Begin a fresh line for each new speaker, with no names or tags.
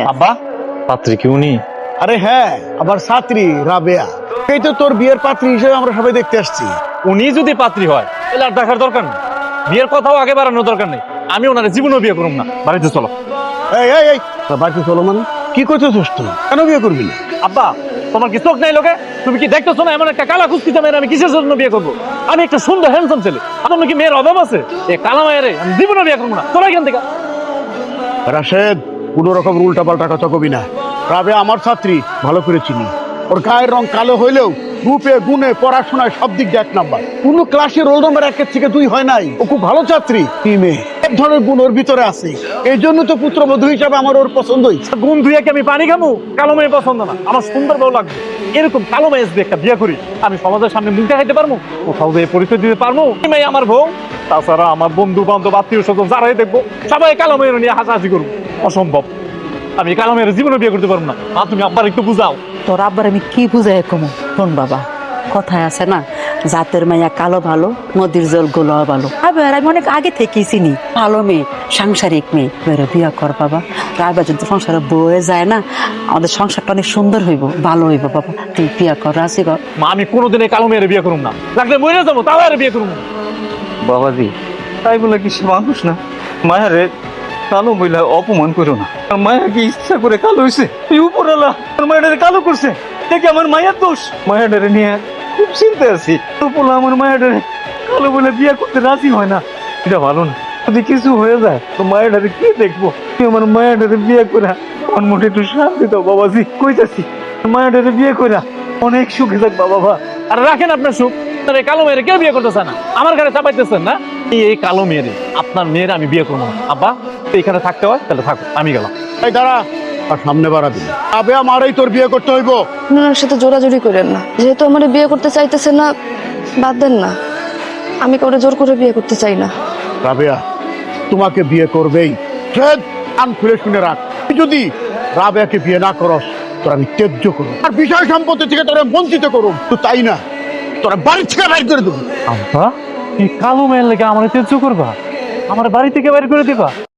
আব্বা পাত্রী কি উনি?
আরে হ্যাঁ, আবার ছাত্রী রাবেয়া, এই তো তোর বিয়ের পাত্রী হিসেবে আমরা সবাই দেখতে আসছি।
উনি যদি পাত্রী হয় তাহলে আর দেখার দরকার নেই, বিয়ের কথাও আগে বাড়ানোর দরকার নেই। আমি ওনারে জীবনও বিয়ে করুম না, বাড়িতে চলো।
এই এই এই বাড়িতে চলো মানে কি করতেছিস তুই? কেন বিয়ে করবি না?
আব্বা তোমার কি চোখ নাই লোকে? তুমি কি দেখতেছো না এমন একটা কালা কুস্তিতে মেয়ের আমি কিসের জন্য বিয়ে করবো? আমি একটা সুন্দর হ্যান্ডসাম ছেলে, আপনার কি মেয়ের অভাব আছে? এই কালা মায়ের আমি জীবনও বিয়ে করবো না, চলো এখান থেকে।
রাশেদ, কোনো রকম উল্টা পাল্টা কথা কবি না। রাবেয়া আমার ছাত্রী, ভালো করে চিনি। ওর গায়ের রং কালো হইলেও রূপে গুণে পড়াশোনায় সব দিক দিয়ে 1 নাম্বার। কোনো ক্লাসে রোল নম্বর 1 থেকে 2 হয় নাই। ও খুব ভালো ছাত্রী। কি মেয়ে, এক ধরনের গুণ ওর ভিতরে আছে। এই জন্য তো পুত্রবধূ হিসাবে আমার ওর পছন্দ হয়েছে।
গুণ ধুয়ে কি আমি পানি খাবো? কালো মেয়ে পছন্দ না, আমার সুন্দর বউ লাগবে। এরকম কালো মেয়ে যদি একটা বিয়ে করি, আমি সমাজের সামনে মুখ দেখাইতে পারবো? কোথাও যে পরিচয় দিতে পারবো এই মেয়ে আমার বউ? তাছাড়া আমার বন্ধু বান্ধব আত্মীয় স্বজন যারাই দেখবো সবাই কালো মেয়ের নিয়ে হাসাহাসি করবো। অসম্ভব, আমি কালো মেয়ের জীবনে বিয়ে করতে পারবো না। মা তুমি আব্বার একটু বুঝাও।
তোর আব্বার আমি কি বুঝাই কমু? শোন বাবা, কথায় আছে না, জাতের মাইয়া কালো ভালো, নদীর জল গোলা ভালো। আবার আমি অনেক আগে থেকেই চিনি ভালো মেয়ে, সাংসারিক মেয়ে। বেরো বিয়া কর বাবা, রাইবা যদি সংসারে বয়ে যায় না, আমাদের সংসারটা অনেক সুন্দর হইব, ভালো হইব বাবা। তুই বিয়া কর, রাজি কর।
মা আমি কোনোদিন এই কালো মেয়ের বিয়ে করুম না, লাগলে মরে যাবো তাও আর বিয়ে করুম না।
বাবাজি, তাই বলে কি সে মানুষ না? মায়ারে কালো বইলা অপমান করো না। আর মায়া কি ইচ্ছা করে কালো হয়েছে? এই উপরওয়ালা আমার মায়াটারে কালো করছে, দেখি আমার মায়ের দোষ। মায়াটারে নিয়ে খুব চিন্তায় আছি। উপরওয়ালা আমার মায়াটারে কালো বলে বিয়ে করতে রাজি হয় না, এটা ভালো না। যদি কিছু হয়ে যায় তো মায়াটারে কি দেখবো? তুই আমার মায়াটারে বিয়ে করে আমার মোটে একটু শান্তি দাও বাবাজি, কইতাছি। মায়াটারে বিয়ে করে অনেক সুখে থাক বাবা।
আর রাখেন আপনার সুখ, আপনার এই কালো মেয়ের কেউ বিয়ে করতেছে না, আমার ঘরে চাপাইতেছেন না। এই কালো মেয়েরে, আপনার মেয়ের আমি বিয়ে করবো না। আব্বা এখানে থাকতে হয় তাহলে থাকো, আমি গেলাম।
এই দাঁড়া, আর সামনে বাড়া দিবি। রাবেয়া মারেই তোর বিয়ে করতে হইব।
ওনার সাথে জোরাজুরি করেন না, যেহেতু আমার বিয়ে করতে চাইতেছে না, বাদ দেন না। আমি কাউরে জোর করে বিয়ে করতে চাই না।
রাবেয়া তোমাকে বিয়ে করবেই। কান খুলে শুনে রাখ, তুই যদি রাবেয়াকে বিয়ে না করস তোর আমি ত্যায্য করব, আর বিষয় সম্পত্তি থেকে তোরা বঞ্চিত করব। তো তাই না, তোরা বাড়ি থেকে বাইর করে দেবো।
আব্বা এই কালো মেয়ের লেগে আমার তেজ করবা, আমার বাড়ি থেকে বাইর করে দিবা?